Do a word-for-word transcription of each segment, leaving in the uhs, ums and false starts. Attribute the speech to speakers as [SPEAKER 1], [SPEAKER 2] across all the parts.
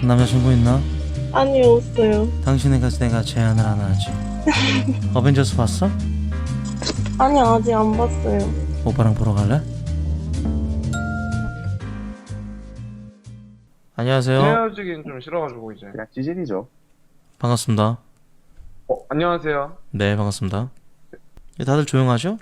[SPEAKER 1] 남자친구 있나?
[SPEAKER 2] 아니, 없어요.
[SPEAKER 1] 당신에 가서 내가 제안을 하나 하지. 어벤져스 봤어?
[SPEAKER 2] 아니, 아직 안 봤어요.
[SPEAKER 1] 오빠랑 보러 갈래? 안녕하세요.
[SPEAKER 3] 헤어지긴 좀 싫어가지고 이제.
[SPEAKER 4] 그냥 찌질이죠.
[SPEAKER 1] 반갑습니다.
[SPEAKER 3] 어, 안녕하세요.
[SPEAKER 1] 네, 반갑습니다. 다들 조용하죠?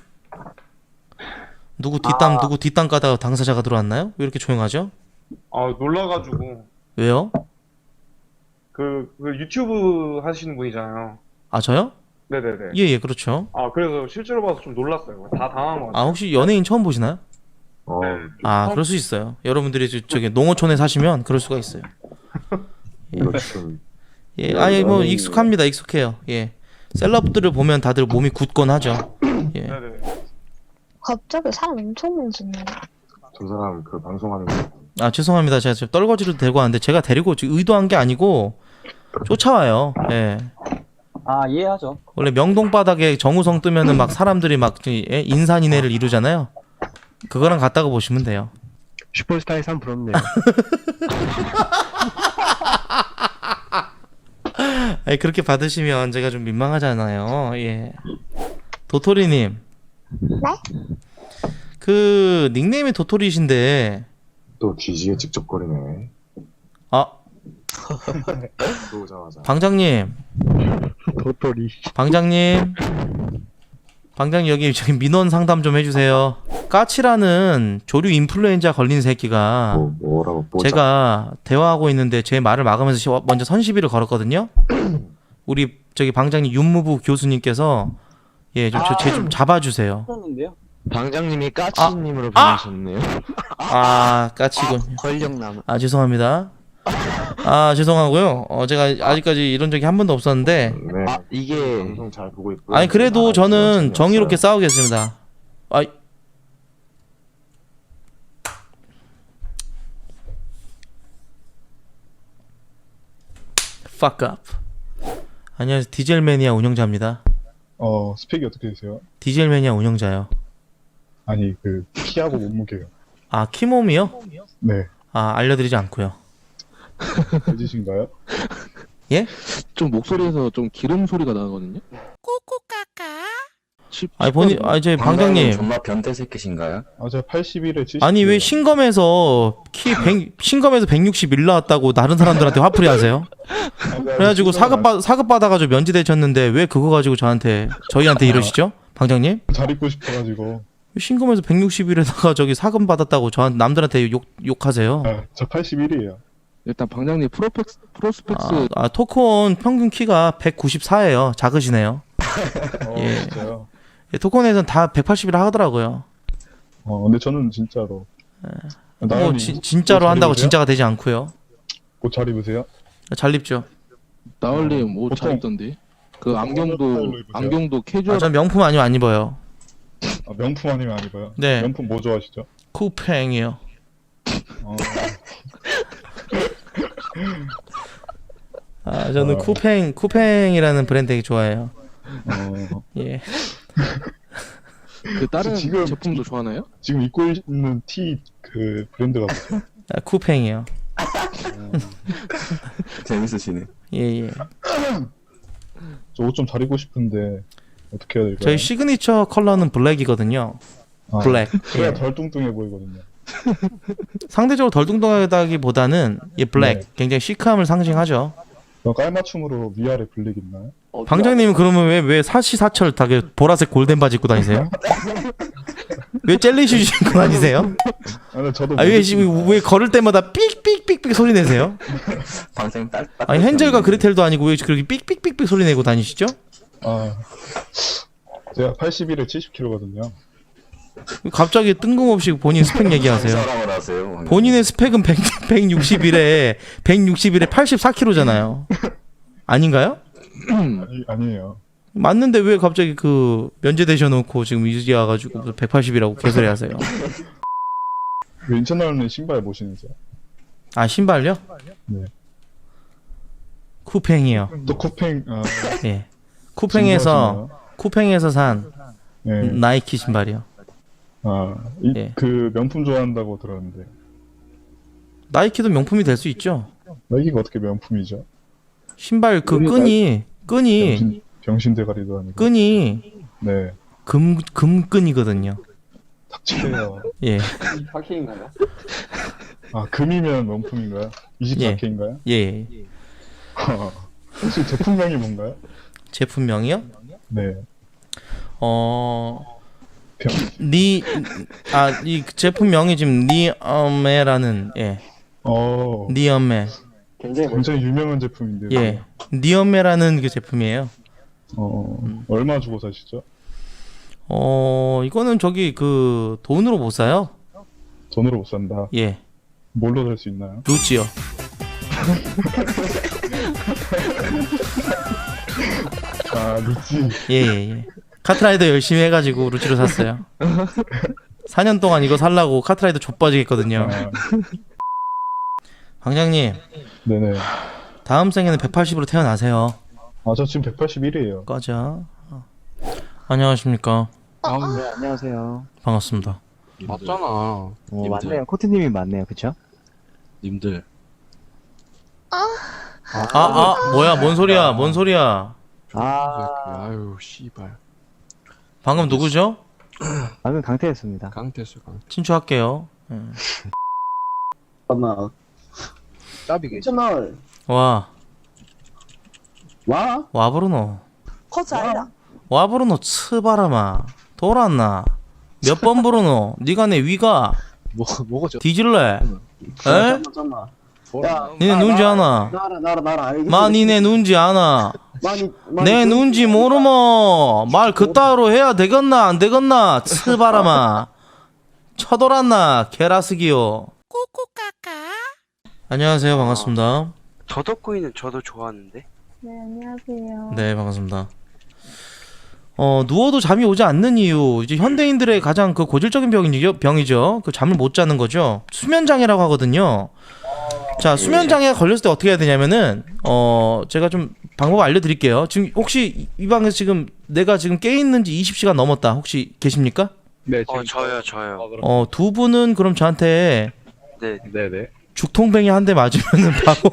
[SPEAKER 1] 누구 뒷담
[SPEAKER 3] 아.
[SPEAKER 1] 누구 뒷담 까다가 당사자가 들어왔나요? 왜 이렇게 조용하죠?
[SPEAKER 3] 아, 놀라가지고
[SPEAKER 1] 왜요?
[SPEAKER 3] 그, 그 유튜브 하시는 분이잖아요.
[SPEAKER 1] 아, 저요?
[SPEAKER 3] 네네네.
[SPEAKER 1] 예, 예, 그렇죠.
[SPEAKER 3] 아, 그래서 실제로 봐서 좀 놀랐어요. 다 당한 것
[SPEAKER 1] 아,
[SPEAKER 3] 같아요.
[SPEAKER 1] 혹시 연예인 처음 보시나요?
[SPEAKER 4] 어,
[SPEAKER 1] 아, 그럴 수 있어요. 여러분들이 저- 저기 농어촌에 사시면 그럴 수가 있어요.
[SPEAKER 4] 이거 좀
[SPEAKER 1] 예, 아예 뭐 익숙합니다. 익숙해요. 예. 셀럽들을 보면 다들 몸이 굳건 하죠. 예.
[SPEAKER 3] 네네.
[SPEAKER 5] 갑자기 사람 엄청 많잖아요.
[SPEAKER 4] 저 사람 그 방송하는 거.
[SPEAKER 1] 아, 죄송합니다. 제가 지금 떨거지로 데리고 왔는데 제가 데리고 지금 의도한 게 아니고 쫓아와요. 예.
[SPEAKER 6] 아, 이해하죠.
[SPEAKER 1] 원래 명동 바닥에 정우성 뜨면은 막 사람들이 막 예? 인산인해를 이루잖아요. 그거랑 같다고 보시면 돼요.
[SPEAKER 7] 슈퍼스타의 삶 부럽네요.
[SPEAKER 1] 아니, 그렇게 받으시면 제가 좀 민망하잖아요. 예. 도토리님.
[SPEAKER 5] 네?
[SPEAKER 1] 그 닉네임이 도토리이신데
[SPEAKER 4] 또 뒤지게 직접거리네.
[SPEAKER 1] 아,
[SPEAKER 4] 들어오자마자.
[SPEAKER 1] 방장님.
[SPEAKER 7] 도토리.
[SPEAKER 1] 방장님. 방장님 여기 저기 민원 상담 좀 해주세요. 까치라는 조류 인플루엔자 걸린 새끼가
[SPEAKER 4] 뭐 뭐라고 뽀짝.
[SPEAKER 1] 제가 대화하고 있는데 제 말을 막으면서 시- 먼저 선시비를 걸었거든요. 우리 저기 방장님 윤무부 교수님께서 예, 좀 제 좀 잡아주세요.
[SPEAKER 6] 했는데요.
[SPEAKER 7] 방장님이 까치님으로
[SPEAKER 1] 아!
[SPEAKER 7] 부르셨네요.
[SPEAKER 1] 아, 까치군.
[SPEAKER 7] 권력남.
[SPEAKER 1] 아, 죄송합니다. 아, 죄송하고요. 어, 제가 아직까지 이런 적이 한 번도 없었는데,
[SPEAKER 4] 네.
[SPEAKER 7] 아, 이게
[SPEAKER 4] 방송 잘 보고 있고.
[SPEAKER 1] 아니 그래도 저는 정의롭게 싸우겠습니다. 아, fuck up. 안녕하세요. 디젤 매니아 운영자입니다.
[SPEAKER 8] 어, 스펙이 어떻게 되세요?
[SPEAKER 1] 디젤 매니아 운영자요.
[SPEAKER 8] 아니, 그, 키하고 몸무게요.
[SPEAKER 1] 아, 키몸이요?
[SPEAKER 8] 네.
[SPEAKER 1] 아, 알려드리지 않고요.
[SPEAKER 8] 돼지신가요?
[SPEAKER 1] 예?
[SPEAKER 9] 좀 목소리에서 좀 기름 소리가 나거든요.
[SPEAKER 1] 아니 본인, 아니 저 방장님.
[SPEAKER 6] 정말 변태 새끼신가요?
[SPEAKER 8] 아, 제가 팔십일에 칠십.
[SPEAKER 1] 아니 왜 신검에서 키 백, 신검에서 백육십일 나왔다고 다른 사람들한테 화풀이 하세요? 그래가지고 사급 받 사급 받아가지고 면제되셨는데 왜 그거 가지고 저한테 저희한테 이러시죠, 방장님?
[SPEAKER 8] 잘 입고 싶어가지고.
[SPEAKER 1] 신검에서 백육십일에다가 저기 사급 받았다고 저한 남들한테 욕 욕하세요.
[SPEAKER 8] 아, 저 팔십일이에요.
[SPEAKER 9] 일단 방장님 프로펙스 프로스펙스
[SPEAKER 1] 아, 아 토크온 평균 키가 백구십사예요. 작으시네요.
[SPEAKER 8] 어,
[SPEAKER 1] 예.
[SPEAKER 8] 진짜요?
[SPEAKER 1] 예, 토크온에서는 다 백팔십이라 하더라고요.
[SPEAKER 8] 어, 근데 저는 진짜로.
[SPEAKER 1] 뭐
[SPEAKER 8] 나연이
[SPEAKER 1] 지,
[SPEAKER 8] 옷-
[SPEAKER 1] 진짜로
[SPEAKER 8] 옷잘
[SPEAKER 1] 한다고
[SPEAKER 8] 입으세요?
[SPEAKER 1] 진짜가 되지 않고요.
[SPEAKER 8] 옷 잘 입으세요?
[SPEAKER 1] 잘 입죠.
[SPEAKER 9] 나얼님 옷 잘
[SPEAKER 8] 보통-
[SPEAKER 9] 입던데. 그
[SPEAKER 8] 보통 어느
[SPEAKER 9] 안경도
[SPEAKER 8] 스타일로 입으세요?
[SPEAKER 9] 안경도 캐주얼.
[SPEAKER 1] 아, 전 명품 아니면 안 입어요.
[SPEAKER 8] 아, 명품 아니면 안 입어요?
[SPEAKER 1] 네.
[SPEAKER 8] 명품 뭐 좋아하시죠?
[SPEAKER 1] 쿠팽이요.
[SPEAKER 8] 어,
[SPEAKER 1] 아, 저는
[SPEAKER 8] 어.
[SPEAKER 1] 쿠팽 쿠팽이라는 브랜드 되게 좋아해요.
[SPEAKER 8] 어,
[SPEAKER 1] 예.
[SPEAKER 9] 그 다른
[SPEAKER 8] 지금-
[SPEAKER 9] 제품도 좋아하나요?
[SPEAKER 8] 지금 입고 있는 티 그 브랜드가 뭐죠?
[SPEAKER 1] 아, 쿠팽이요.
[SPEAKER 6] 재밌으시네.
[SPEAKER 1] 예, 예.
[SPEAKER 8] 저 옷 좀 잘 입고 싶은데 어떻게 해야 될까요?
[SPEAKER 1] 저희 시그니처 컬러는 블랙이거든요.
[SPEAKER 8] 아,
[SPEAKER 1] 블랙.
[SPEAKER 8] 그래야
[SPEAKER 1] 예.
[SPEAKER 8] 덜 뚱뚱해 보이거든요.
[SPEAKER 1] 상대적으로 덜 뚱뚱하다기보다는 이 블랙
[SPEAKER 8] 네.
[SPEAKER 1] 굉장히 시크함을 상징하죠.
[SPEAKER 8] 그럼 깔맞춤으로 위아래 블랙 있나요?
[SPEAKER 1] 방장님은 그러면 왜 왜 사시사철 다 보라색 골덴 바지 입고 다니세요? 왜 젤리 슈즈 입고 다니세요?
[SPEAKER 8] 아, 근데 저도
[SPEAKER 1] 아, 왜,
[SPEAKER 8] 모르겠-
[SPEAKER 1] 지금 왜 걸을 때마다 삑삑삑삑 소리 내세요?
[SPEAKER 6] 방생 딸.
[SPEAKER 1] 아니 헨젤과 그레텔도 아니고 왜 그렇게 삑삑삑삑 소리 내고 다니시죠?
[SPEAKER 8] 아, 제가 팔십일에 칠십 킬로그램거든요.
[SPEAKER 1] 갑자기 뜬금없이 본인 스펙 얘기하세요.
[SPEAKER 6] 사람을 하세요.
[SPEAKER 1] 본인의 스펙은 백, 백육십일에 백육십일에 팔십사 킬로그램잖아요. 아닌가요?
[SPEAKER 8] 아니, 아니에요.
[SPEAKER 1] 맞는데 왜 갑자기 그 면제되셔 놓고 지금 이제 와가지고 백팔십이라고 개소리 하세요?
[SPEAKER 8] 그 인천 나오는 신발 뭐 신으세요?
[SPEAKER 1] 아, 신발요?
[SPEAKER 8] 네.
[SPEAKER 1] 쿠팽이요.
[SPEAKER 8] 또 쿠팽, 아,
[SPEAKER 1] 예. 쿠팽에서 쿠팽에서 산
[SPEAKER 8] 네.
[SPEAKER 1] 나이키 신발이요.
[SPEAKER 8] 아, 이,
[SPEAKER 1] 예.
[SPEAKER 8] 그 명품 좋아한다고 들었는데.
[SPEAKER 1] 나이키도 명품이 될 수 있죠.
[SPEAKER 8] 나이키가 어떻게 명품이죠?
[SPEAKER 1] 신발 그 끈이 끈이
[SPEAKER 8] 병신, 병신 대가리도 아니고.
[SPEAKER 1] 끈이
[SPEAKER 8] 네.
[SPEAKER 1] 금 금끈이거든요.
[SPEAKER 8] 닥치세요.
[SPEAKER 1] 예.
[SPEAKER 8] 아, 금이면 명품인가요? 이십사 케이인가요?
[SPEAKER 1] 예.
[SPEAKER 8] 혹시 제품명이 뭔가요?
[SPEAKER 1] 제품명이요?
[SPEAKER 8] 네.
[SPEAKER 1] 어,
[SPEAKER 8] 병,
[SPEAKER 1] 니, 아, 이 제품명이 지금 니엄메라는, 예,
[SPEAKER 8] 어,
[SPEAKER 1] 니엄메,
[SPEAKER 8] 굉장히 유명한 제품인데요.
[SPEAKER 1] 예, 니엄메라는 그 제품이에요.
[SPEAKER 8] 어,
[SPEAKER 1] 음.
[SPEAKER 8] 얼마 주고 사시죠?
[SPEAKER 1] 어, 이거는 저기 그 돈으로 못 사요.
[SPEAKER 8] 돈으로 못 산다.
[SPEAKER 1] 예,
[SPEAKER 8] 뭘로 살 수 있나요?
[SPEAKER 1] 루찌요.
[SPEAKER 8] 아, 루찌.
[SPEAKER 1] 예, 예, 예. 카트라이더 열심히 해가지고 루찌로 샀어요. 사 년 동안 이거 살라고 카트라이더 좆빠지겠거든요.
[SPEAKER 8] 아,
[SPEAKER 1] 방장님,
[SPEAKER 8] 네네.
[SPEAKER 1] 다음 생에는 백팔십으로 태어나세요.
[SPEAKER 8] 아, 저 지금 백팔십일이에요.
[SPEAKER 1] 꺼져. 어. 안녕하십니까.
[SPEAKER 9] 아,
[SPEAKER 7] 네, 안녕하세요.
[SPEAKER 1] 반갑습니다.
[SPEAKER 9] 맞잖아.
[SPEAKER 7] 어,
[SPEAKER 9] 님들.
[SPEAKER 7] 맞네요. 코트님이 맞네요. 그쵸?
[SPEAKER 9] 님들.
[SPEAKER 1] 아, 아, 뭐야, 뭔 소리야, 뭔 소리야.
[SPEAKER 7] 아,
[SPEAKER 9] 아유, 씨발.
[SPEAKER 1] 방금 누구죠?
[SPEAKER 7] 방금 강태였습니다.
[SPEAKER 9] 강태수 강.
[SPEAKER 1] 친추할게요. 예.
[SPEAKER 10] 잠깐만.
[SPEAKER 9] 짭이게.
[SPEAKER 10] 괜찮아.
[SPEAKER 1] 와,
[SPEAKER 10] 와?
[SPEAKER 1] 와 브루노.
[SPEAKER 2] 커즈 아니다.
[SPEAKER 1] 와 브루노 츠바라마. 돌았나? 몇 번 브루노? 니가 내 위가
[SPEAKER 9] 뭐 뭐가죠?
[SPEAKER 1] 뒤질래? 에?
[SPEAKER 10] 잠깐만, 잠깐만. 야,
[SPEAKER 1] 니네 눈지 아나?
[SPEAKER 10] 나라, 나라, 나라. 알겠어.
[SPEAKER 1] 마 니네 눈지 아나?
[SPEAKER 10] 많이, 많이
[SPEAKER 1] 내
[SPEAKER 10] 좀-
[SPEAKER 1] 눈지 모르모. 말 그따위로 해야 되겠나 안 되겠나? 츠바라마. 쳐돌았나? 게라스기요. 안녕하세요, 반갑습니다.
[SPEAKER 11] 더덕구이는 저도 좋아하는데.
[SPEAKER 2] 네, 안녕하세요.
[SPEAKER 1] 네, 반갑습니다. 어, 누워도 잠이 오지 않는 이유, 이제 현대인들의 가장 그 고질적인 병이죠, 병이죠. 그 잠을 못 자는 거죠. 수면 장애라고 하거든요. 자, 수면 장애가 걸렸을 때 어떻게 해야 되냐면은, 어, 제가 좀 방법 알려드릴게요. 지금 혹시 이 방에서 지금 내가 지금 깨 있는지 이십 시간 넘었다. 혹시 계십니까?
[SPEAKER 8] 네,
[SPEAKER 11] 어 저요 저요.
[SPEAKER 1] 어, 두 분은 그럼 저한테
[SPEAKER 11] 네.
[SPEAKER 8] 네네.
[SPEAKER 1] 죽통뱅이 한 대 맞으면은 바로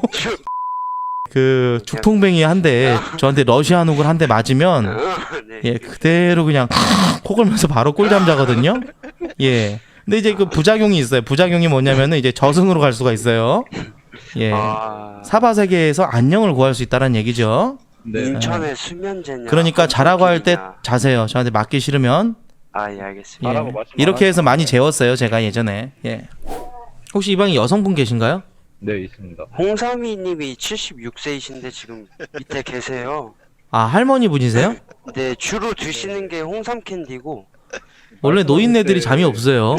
[SPEAKER 1] 그 죽통뱅이 한 대 저한테 러시아 누굴 한 대 맞으면
[SPEAKER 11] 네.
[SPEAKER 1] 예 그대로 그냥 코 골면서 바로 꿀잠 자거든요. 예. 근데 이제 그 부작용이 있어요. 부작용이 뭐냐면은 이제 저승으로 갈 수가 있어요. 예.
[SPEAKER 11] 아,
[SPEAKER 1] 사바 세계에서 안녕을 구할 수 있다는 얘기죠.
[SPEAKER 11] 인천의 수면제냐.
[SPEAKER 1] 그러니까 자라고 할 때
[SPEAKER 11] 홈쇼핑이냐.
[SPEAKER 1] 자세요. 저한테 맞기 싫으면
[SPEAKER 11] 아, 예, 알겠습니다.
[SPEAKER 1] 예. 이렇게 해서 많이 재웠어요. 제가 예전에. 예. 혹시 이 방에 여성분 계신가요?
[SPEAKER 8] 네, 있습니다.
[SPEAKER 11] 홍삼이 님이 칠십육 세이신데 지금 밑에 계세요.
[SPEAKER 1] 아 할머니 분이세요?
[SPEAKER 11] 네, 주로 드시는 게 홍삼 캔디고.
[SPEAKER 1] 원래 노인네들이 잠이 없어요.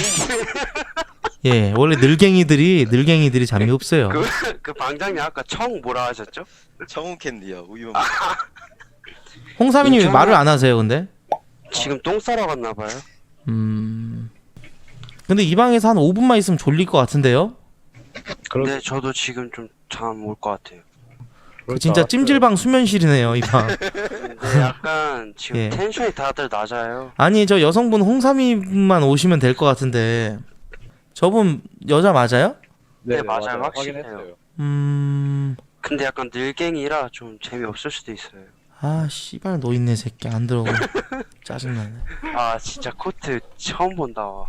[SPEAKER 1] 예, 원래 늙갱이들이 늙갱이들이 잠이 없어요.
[SPEAKER 11] 그, 그 방장님 아까 청 뭐라 하셨죠?
[SPEAKER 12] 청운 캔디요. 우유만.
[SPEAKER 1] 홍삼이님 왜
[SPEAKER 11] 인천에-
[SPEAKER 1] 말을 안 하세요, 근데?
[SPEAKER 11] 지금 똥 싸러 갔나 봐요.
[SPEAKER 1] 음. 근데 이 방에서 한 오 분만 있으면 졸릴 것 같은데요?
[SPEAKER 11] 네, 저도 지금 좀 잠 올 것 같아요.
[SPEAKER 1] 그 진짜 찜질방 수면실이네요, 이 방.
[SPEAKER 11] 근데 약간 지금
[SPEAKER 1] 예.
[SPEAKER 11] 텐션이 다들 낮아요.
[SPEAKER 1] 아니, 저 여성분 홍삼이만 오시면 될 것 같은데. 저분 여자 맞아요?
[SPEAKER 11] 네, 맞아요. 확실해요.
[SPEAKER 1] 음.
[SPEAKER 11] 근데 약간 늙갱이라 좀 재미없을 수도 있어요.
[SPEAKER 1] 아, 씨발 노인네 새끼 안 들어오고. 짜증나네.
[SPEAKER 11] 아, 진짜 코트 처음 본다. 와.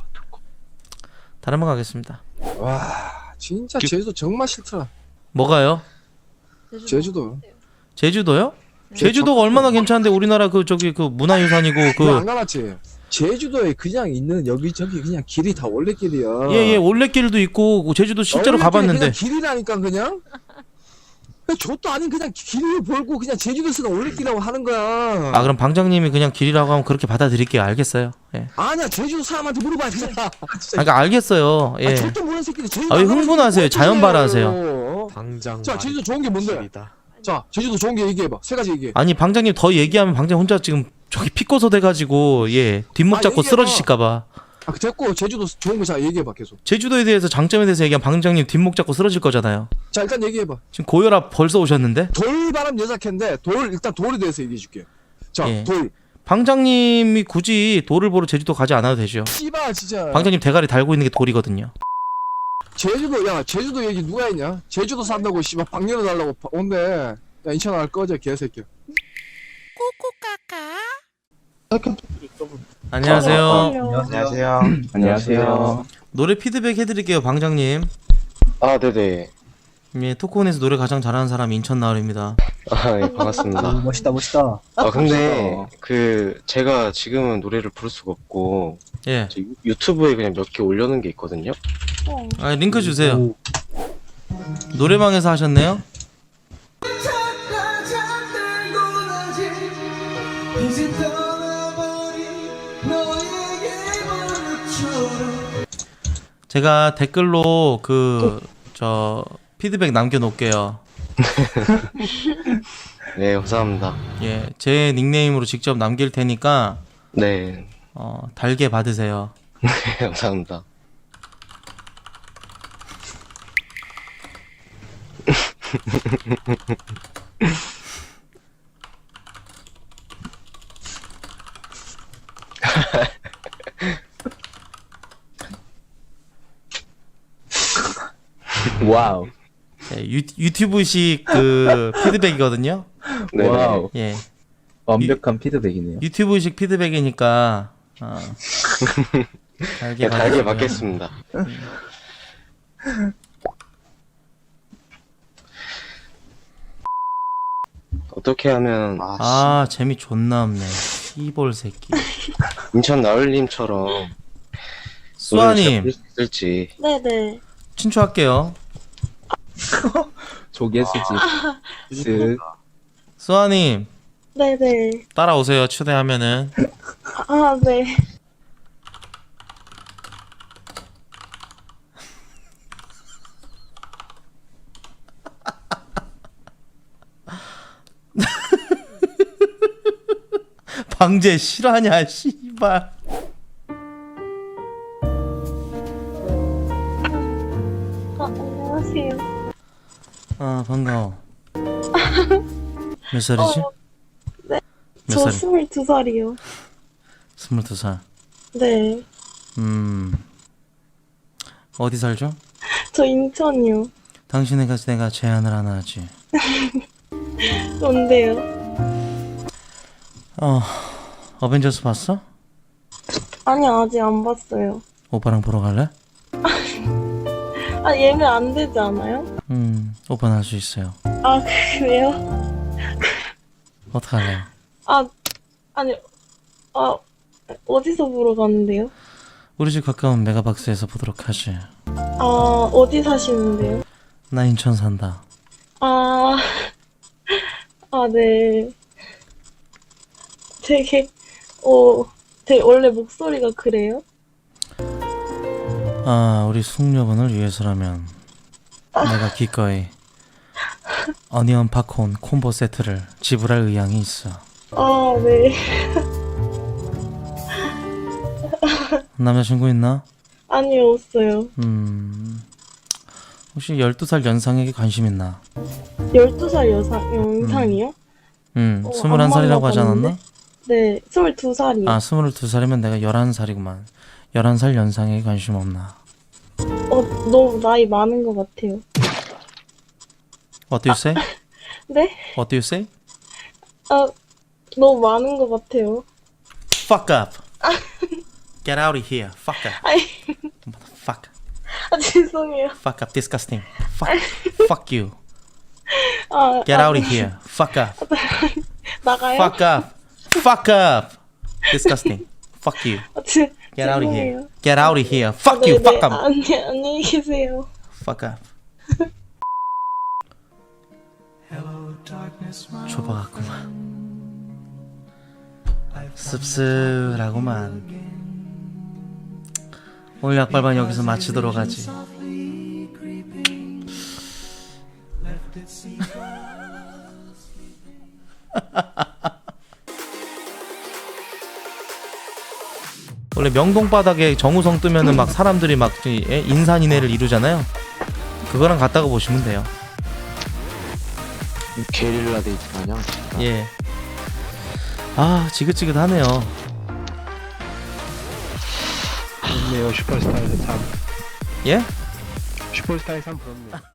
[SPEAKER 1] 다른 번 가겠습니다.
[SPEAKER 9] 와, 진짜 제주도 정말 싫더라.
[SPEAKER 1] 뭐가요?
[SPEAKER 9] 제주도.
[SPEAKER 1] 제주도요? 제주도가 얼마나 괜찮은데 우리나라 그 저기 그 문화유산이고
[SPEAKER 9] 안
[SPEAKER 1] 그
[SPEAKER 9] 가봤지? 제주도에 그냥 있는 여기저기 그냥 길이 다 올레길이야.
[SPEAKER 1] 예예 올레길도 있고 제주도 실제로
[SPEAKER 9] 올레길이
[SPEAKER 1] 가봤는데
[SPEAKER 9] 그냥 길이라니까 그냥. 저도 아닌 그냥 길을 벌고 그냥 제주도에서는 올레길이라고 하는 거야.
[SPEAKER 1] 아 그럼 방장님이 그냥 길이라고 하면 그렇게 받아들일게요. 알겠어요. 예.
[SPEAKER 9] 아니야, 제주도 사람한테 물어봐야 그냥.
[SPEAKER 1] 아, 그러니까 알겠어요. 예.
[SPEAKER 9] 아, 절대 모르는 새끼들 제주도
[SPEAKER 1] 아, 왜
[SPEAKER 9] 안 가는
[SPEAKER 1] 흥분하세요?
[SPEAKER 9] 새끼들
[SPEAKER 1] 자연
[SPEAKER 9] 어떡해요.
[SPEAKER 1] 발화하세요.
[SPEAKER 9] 당장. 자, 제주도 좋은 게 뭔데? 자, 제주도 좋은 게 얘기해봐. 세 가지 얘기해.
[SPEAKER 1] 아니 방장님 더 얘기하면 방장 혼자 지금 저기 피꼬소 돼가지고 예 뒷목
[SPEAKER 9] 아,
[SPEAKER 1] 잡고
[SPEAKER 9] 얘기해봐.
[SPEAKER 1] 쓰러지실까봐.
[SPEAKER 9] 아, 됐고 제주도 좋은 거 자 얘기해봐 계속.
[SPEAKER 1] 제주도에 대해서 장점에 대해서 얘기하면 방장님 뒷목 잡고 쓰러질 거잖아요.
[SPEAKER 9] 자, 일단 얘기해봐.
[SPEAKER 1] 지금 고혈압 벌써 오셨는데?
[SPEAKER 9] 돌바람 여자캔데 돌 일단 돌에 대해서 얘기해줄게. 자,
[SPEAKER 1] 예.
[SPEAKER 9] 돌.
[SPEAKER 1] 방장님이 굳이 돌을 보러 제주도 가지 않아도 되죠.
[SPEAKER 9] 씨발 진짜.
[SPEAKER 1] 방장님 대가리 달고 있는 게 돌이거든요.
[SPEAKER 9] 제주도 야 제주도 얘기 누가 했냐? 제주도 산다고 씨발 방년을 달라고 바- 온대. 야 인천 알 꺼져 개새끼.
[SPEAKER 1] 안녕하세요.
[SPEAKER 4] 안녕하세요.
[SPEAKER 6] 안녕하세요.
[SPEAKER 1] 노래 피드백 해드릴게요, 방장님.
[SPEAKER 4] 아, 네네.
[SPEAKER 1] 예, 토크온에서 노래 가장 잘하는 사람이 인천 나을입니다.
[SPEAKER 4] 아, 예, 반갑습니다.
[SPEAKER 10] 멋있다, 멋있다.
[SPEAKER 4] 아, 근데, 그, 제가 지금은 노래를 부를 수가 없고,
[SPEAKER 1] 예.
[SPEAKER 4] 저 유- 유튜브에 그냥 몇 개 올려놓은 게 있거든요?
[SPEAKER 1] 아, 링크 주세요. 노래방에서 하셨네요? 제가 댓글로 그 저 피드백 남겨놓을게요.
[SPEAKER 4] 네, 감사합니다.
[SPEAKER 1] 예, 제 닉네임으로 직접 남길 테니까
[SPEAKER 4] 네,
[SPEAKER 1] 어, 달게 받으세요.
[SPEAKER 4] 감사합니다.
[SPEAKER 6] 와우.
[SPEAKER 1] 예, 유, 유튜브식 그 피드백이거든요.
[SPEAKER 4] 네,
[SPEAKER 6] 와우.
[SPEAKER 1] 예,
[SPEAKER 6] 완벽한 피드백이네요.
[SPEAKER 1] 유튜브식 피드백이니까 어, 달게
[SPEAKER 4] 네, 달게
[SPEAKER 1] 받으시고요.
[SPEAKER 4] 받겠습니다. 어떻게 하면
[SPEAKER 1] 아, 재미 존나 없네. 이볼 새끼.
[SPEAKER 4] 인천 나을님처럼 노래를 잘
[SPEAKER 1] 수아님,
[SPEAKER 4] 부를 수 있을지.
[SPEAKER 2] 네네.
[SPEAKER 1] 친추할게요.
[SPEAKER 6] 조개 수집. 쓱.
[SPEAKER 1] 수아님,
[SPEAKER 2] 네네.
[SPEAKER 1] 따라오세요. 초대하면은.
[SPEAKER 2] 아, 네.
[SPEAKER 1] 방제 실화냐, 씨발.
[SPEAKER 2] 아, 안녕하세요.
[SPEAKER 1] 아, 반가워. 몇 살이지?
[SPEAKER 2] 어, 네.
[SPEAKER 1] 몇
[SPEAKER 2] 저
[SPEAKER 1] 살?
[SPEAKER 2] 스물두 살이요.
[SPEAKER 1] 스물두 살.
[SPEAKER 2] 네.
[SPEAKER 1] 음. 어디 살죠?
[SPEAKER 2] 저 인천이요.
[SPEAKER 1] 당신에게 내가 제안을 하나 하지.
[SPEAKER 2] 뭔데요?
[SPEAKER 1] 어, 어벤져스 봤어?
[SPEAKER 2] 아니, 아직 안 봤어요.
[SPEAKER 1] 오빠랑 보러 갈래?
[SPEAKER 2] 아, 예매 안 되지 않아요?
[SPEAKER 1] 음, 오빠는 할 수 있어요.
[SPEAKER 2] 아, 그래요?
[SPEAKER 1] 어떡할래요?
[SPEAKER 2] 아, 아니, 아, 어디서 보러 가는데요?
[SPEAKER 1] 우리 집 가까운 메가박스에서 보도록 하지.
[SPEAKER 2] 아, 어디 사시는데요?
[SPEAKER 1] 나 인천 산다.
[SPEAKER 2] 아, 아, 네. 되게, 어, 되게 원래 목소리가 그래요?
[SPEAKER 1] 아, 우리 숙녀분을 위해서라면 내가 기꺼이 어니언 팝콘 콤보 세트를 지불할 의향이 있어.
[SPEAKER 2] 아, 네.
[SPEAKER 1] 남자친구 있나?
[SPEAKER 2] 아니요, 없어요.
[SPEAKER 1] 음, 혹시 열두 살 연상에게 관심 있나?
[SPEAKER 2] 열두 살 여상, 영상이요?
[SPEAKER 1] 음,
[SPEAKER 2] 어,
[SPEAKER 1] 스물한 살이라고
[SPEAKER 2] 안
[SPEAKER 1] 하지 않았나?
[SPEAKER 2] 만나봤는데? 네, 스물두 살이요.
[SPEAKER 1] 아, 스물두 살이면 내가 열한 살이구만. 열한 살 연상에게 관심 없나?
[SPEAKER 2] 어, 너무 나이 많은 것 같아요.
[SPEAKER 1] What do you say?
[SPEAKER 2] 네?
[SPEAKER 1] What do you say?
[SPEAKER 2] 아, 너무 많은 것 같아요.
[SPEAKER 1] Fuck up. Get out of here. Fuck up.
[SPEAKER 2] 아이,
[SPEAKER 1] Fuck.
[SPEAKER 2] 아, 죄송해요.
[SPEAKER 1] Fuck up. Disgusting. Fuck. Fuck you.
[SPEAKER 2] 아,
[SPEAKER 1] Get
[SPEAKER 2] 아,
[SPEAKER 1] out of here. Fuck up.
[SPEAKER 2] 나가요?
[SPEAKER 1] Fuck up. Fuck up. Disgusting. Fuck you.
[SPEAKER 2] 아, 제,
[SPEAKER 1] Get out of here.
[SPEAKER 2] 죄송해요.
[SPEAKER 1] Get out of here.
[SPEAKER 2] 아,
[SPEAKER 1] Fuck
[SPEAKER 2] 네,
[SPEAKER 1] you.
[SPEAKER 2] 네.
[SPEAKER 1] Fuck up.
[SPEAKER 2] 아, 안녕, 안녕히 계세요.
[SPEAKER 1] Fuck up. 좁아갔구만. 씁쓸하구만. 오늘 약발반 여기서 마치도록 하지. 원래 명동 바닥에 정우성 뜨면은 막 사람들이 막 인산인해를 이루잖아요. 그거랑 같다고 보시면 돼요.
[SPEAKER 4] 게릴라 데이트 마냥.
[SPEAKER 1] 예. 아, 지긋지긋하네요.
[SPEAKER 8] 좋네요, 슈퍼스타에서 참.
[SPEAKER 1] 예?
[SPEAKER 7] 슈퍼스타의 삶 부럽네요.